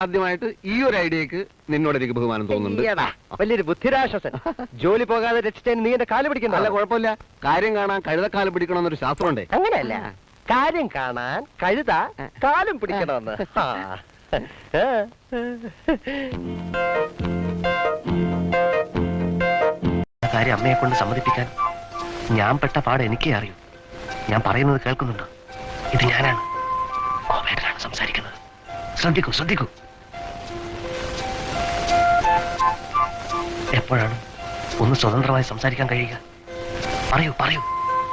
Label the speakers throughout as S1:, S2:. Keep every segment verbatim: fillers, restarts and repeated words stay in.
S1: ആദ്യമായിട്ട് ഈ ഒരു ഐഡിയക്ക് നിന്നോട് എനിക്ക് ബഹുമാനം തോന്നുന്നുണ്ട്.
S2: വലിയൊരു ബുദ്ധിരാശ്വാസൻ. ജോലി പോകാതെ രക്ഷിച്ചതിന് നീ എന്റെ കാല് പിടിക്കണ്ട.
S1: അല്ല, കുഴപ്പമില്ല. കാര്യം കാണാൻ കഴുതക്കാലം പിടിക്കണമെന്നൊരു ശാസ്ത്രമുണ്ടേ.
S2: അങ്ങനെയല്ല, കാര്യം കാണാൻ കഴുത കാലും പിടിക്കണമെന്ന്.
S3: കാര്യം അമ്മയെ കൊണ്ട് സമ്മതിപ്പിക്കാൻ ഞാൻ പെട്ട പാട് എനിക്കേ അറിയൂ. ഞാൻ പറയുന്നത് കേൾക്കുന്നുണ്ടോ? ഇത് ഞാനാണ്, കോവേട്ടനാണ് സംസാരിക്കുന്നത്. ശ്രദ്ധിക്കൂ ശ്രദ്ധിക്കൂ. എപ്പോഴാണ് ഒന്ന് സ്വതന്ത്രമായി സംസാരിക്കാൻ കഴിയുക? പറയൂ പറയൂ.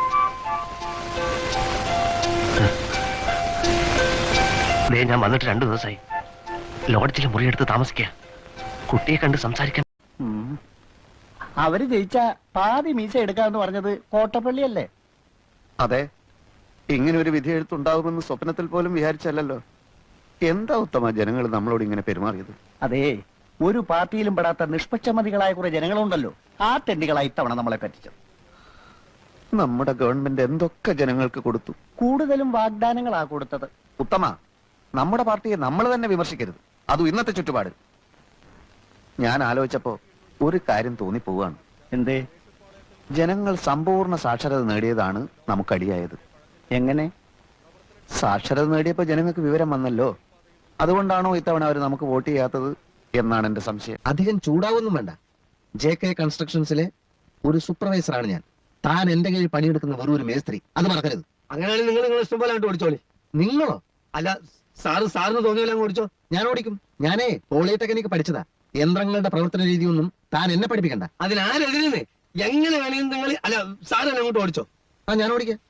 S3: ദേ, ഞാൻ വന്നിട്ട് രണ്ടു ദിവസമായി. ലോഡ്ജിൽ മുറിയെടുത്ത് താമസിക്കുക. കുട്ടിയെ കണ്ട് സംസാരിക്കാൻ.
S4: അവര് ജയിച്ച പാതി മീശ എടുക്കാന്ന് പറഞ്ഞത് കോട്ടപ്പള്ളിയല്ലേ?
S5: അതെ, ഇങ്ങനെ ഒരു വിധി എഴുത്തുണ്ടാകുമെന്ന് സ്വപ്നത്തിൽ പോലും വിചാരിച്ചല്ലോ. എന്താ ഉത്തമ ജനങ്ങൾ നമ്മളോട് ഇങ്ങനെ പെരുമാറിയത്?
S4: അതെ, ഒരു പാർട്ടിയിലും പെടാത്ത നിഷ്പക്ഷമതികളായ കുറെ ജനങ്ങളുണ്ടല്ലോ, ആ തെണ്ടികളായി ഇത്തവണ നമ്മളെ പറ്റിച്ചത്.
S5: നമ്മുടെ ഗവൺമെന്റ് എന്തൊക്കെ ജനങ്ങൾക്ക് കൊടുത്തു.
S4: കൂടുതലും വാഗ്ദാനങ്ങളാ കൊടുത്തത്.
S5: ഉത്തമ, നമ്മുടെ പാർട്ടിയെ നമ്മൾ തന്നെ വിമർശിക്കരുത്, അതും ഇന്നത്തെ ചുറ്റുപാട്. ഞാൻ ആലോചിച്ചപ്പോ ഒരു കാര്യം തോന്നിപ്പോവാണ്.
S4: എന്തേ?
S5: ജനങ്ങൾ സമ്പൂർണ്ണ സാക്ഷരത നേടിയതാണ് നമുക്കടിയായത്.
S4: എങ്ങനെ?
S5: സാക്ഷരത നേടിയപ്പോ ജനങ്ങൾക്ക് വിവരം വന്നല്ലോ. അതുകൊണ്ടാണോ ഇത്തവണ അവർ നമുക്ക് വോട്ട് ചെയ്യാത്തത് എന്നാണ് എന്റെ സംശയം.
S3: അധികം ചൂടാവൊന്നും വേണ്ട. ജെ കെ കൺസ്ട്രക്ഷൻസിലെ ഒരു സൂപ്പർവൈസറാണ് ഞാൻ. താൻ എന്റെ കീഴിൽ പണിയെടുക്കുന്ന വെറും ഒരു മേസ്ത്രി, അത് മറക്കരുത്.
S2: അങ്ങനെയാണെങ്കിൽ നിങ്ങൾ നിങ്ങൾ ഇഷ്ടം പോലെ അങ്ങോട്ട് ഓടിച്ചോളി.
S3: നിങ്ങളോ?
S2: അല്ല, സാറ് സാറിന് തോന്നിയല്ല അങ്ങ് ഓടിച്ചോ.
S3: ഞാൻ ഓടിക്കും. ഞാനേ പോളിടെക്നിക്ക് പഠിച്ചതാ. യന്ത്രങ്ങളുടെ പ്രവർത്തന രീതിയൊന്നും താൻ എന്നെ പഠിപ്പിക്കണ്ട.
S2: അതിനാരെതിരെ എങ്ങനെ വേണമെങ്കിലും നിങ്ങൾ, അല്ല സാറ് തന്നെ അങ്ങോട്ട് ഓടിച്ചോ.
S3: ആ, ഞാൻ ഓടിക്കാം.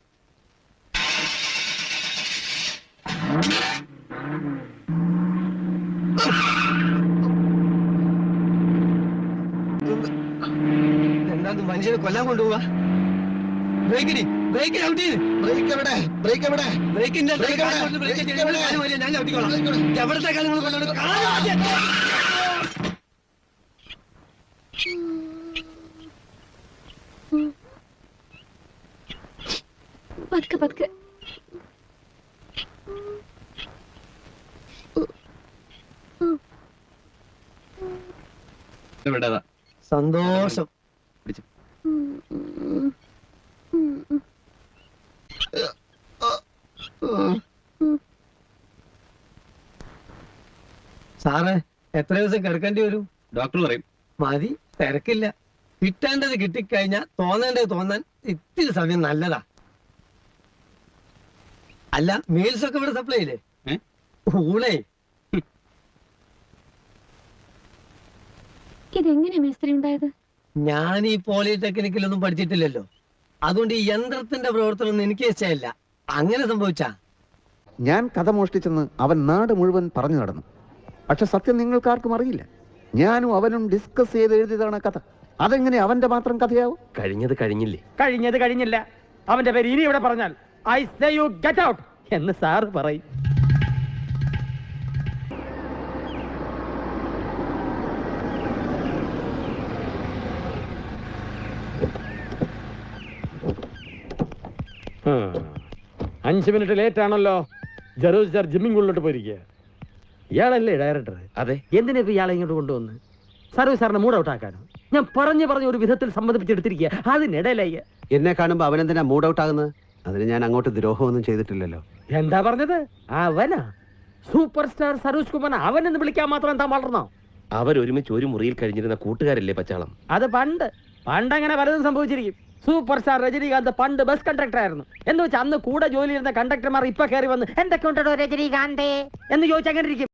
S2: എന്താ മനുഷ്യനെ കൊല്ലാൻ കൊണ്ടുപോവാ? ബ്രേക്കിന് ബ്രേക്കിന് ഔട്ട് ചെയ്ത്
S3: ബ്രേക്ക് എവിടെ? ബ്രേക്ക് എവിടെ?
S2: ബ്രേക്കിന്റെ
S3: ബ്രേക്ക് എവിടെ?
S2: ഞാൻ ഔട്ടിക്കോളാം. എവിടത്തെ കാര്യങ്ങൾ കൊണ്ടുപോയി
S6: പതുക്കെ പതുക്കെ.
S2: സന്തോഷം. സാറേ, എത്ര ദിവസം കിടക്കേണ്ടി വരും?
S1: ഡോക്ടർ പറയും.
S2: മതി, തിരക്കില്ല. കിട്ടേണ്ടത് കിട്ടിക്കഴിഞ്ഞാൽ തോന്നേണ്ടത് തോന്നാൻ ഇത്തിരി സമയം നല്ലതാ. അല്ല, മീൽസ് ഒക്കെ ഇവിടെ സപ്ലൈ ഇല്ലേ? ഊണേ.
S6: ഇതെങ്ങനെ മേസ്ത്രി ഉണ്ടായത്?
S2: ഞാൻ ഈ പോളിടെക്നിക്കിലൊന്നും പഠിച്ചിട്ടില്ലല്ലോ, അതുകൊണ്ട് ഈ യന്ത്രത്തിന്റെ പ്രവർത്തനം ഒന്നും എനിക്ക് ഇഷ്ടമില്ല. അങ്ങനെ സംഭവിച്ചാ?
S5: ഞാൻ കഥ മോഷ്ടിച്ചെന്ന് അവൻ നാട് മുഴുവൻ പറഞ്ഞു നടന്നു. പക്ഷെ സത്യം നിങ്ങൾക്കാർക്കും അറിയില്ല. ഞാനും അവനും ഡിസ്കസ് ചെയ്ത് എഴുതിയതാണ് കഥ. അതെങ്ങനെ അവന്റെ മാത്രം കഥയാവും?
S3: കഴിഞ്ഞത് കഴിഞ്ഞില്ലേ?
S7: കഴിഞ്ഞത് കഴിഞ്ഞില്ല. അവന്റെ പേര് ഇനി ഇവിടെ പറഞ്ഞാൽ I say you get out എന്ന് സാറ് പറയും. അഞ്ച് മിനിറ്റ് ലേറ്റ് ആണല്ലോ. ജറൂസ് സാർ ജിമ്മിംഗ് ഉള്ളിലോട്ട് പോയിരിക്കുക. ഇയാളല്ലേ ഡയറക്ടർ?
S3: അതെ.
S7: എന്തിനാ ഇപ്പൊ ഇയാളെ ഇങ്ങോട്ട് കൊണ്ടുവന്ന്? സർവീസ് സാറിനെ മൂഡ് ഔട്ട് ആക്കാനോ? ഞാൻ പറഞ്ഞു പറഞ്ഞ ഒരു വിധത്തിൽ സമ്മതിപ്പിച്ചെടുത്തിരിക്കുക. അതിനിടയിലായി
S1: എന്നെ കാണുമ്പോ അവനെന്തിനാ മൂഡ് ഔട്ട് ആകുന്നത്? അതിന് ഞാൻ അങ്ങോട്ട് ദ്രോഹമൊന്നും ചെയ്തിട്ടില്ലല്ലോ.
S7: എന്താ പറഞ്ഞത്? അവനാ സൂപ്പർ സ്റ്റാർ സരോജ് കുമാർ. അവനെന്ന് വിളിക്കാൻ മാത്രം എന്താ വളർന്നോ?
S3: അവരൊരുമിച്ച് ഒരു മുറിയിൽ കഴിഞ്ഞിരുന്ന കൂട്ടുകാരല്ലേ പച്ചാളം?
S7: അത് പണ്ട് പണ്ട് അങ്ങനെ പലതും സംഭവിച്ചിരിക്കും. സൂപ്പർ സ്റ്റാർ രജനീകാന്ത് പണ്ട് ബസ് കണ്ടക്ടർ ആയിരുന്നു എന്ന് വെച്ചാൽ അന്ന് കൂടെ ജോലി ചെയ്യുന്ന കണ്ടക്ടർമാർ ഇപ്പൊ കയറി വന്ന് എന്തൊക്കെ ഉണ്ടോ രജനീകാന്തേ എന്ന് ചോദിച്ചാൽ അങ്ങനെ ഇരിക്കും.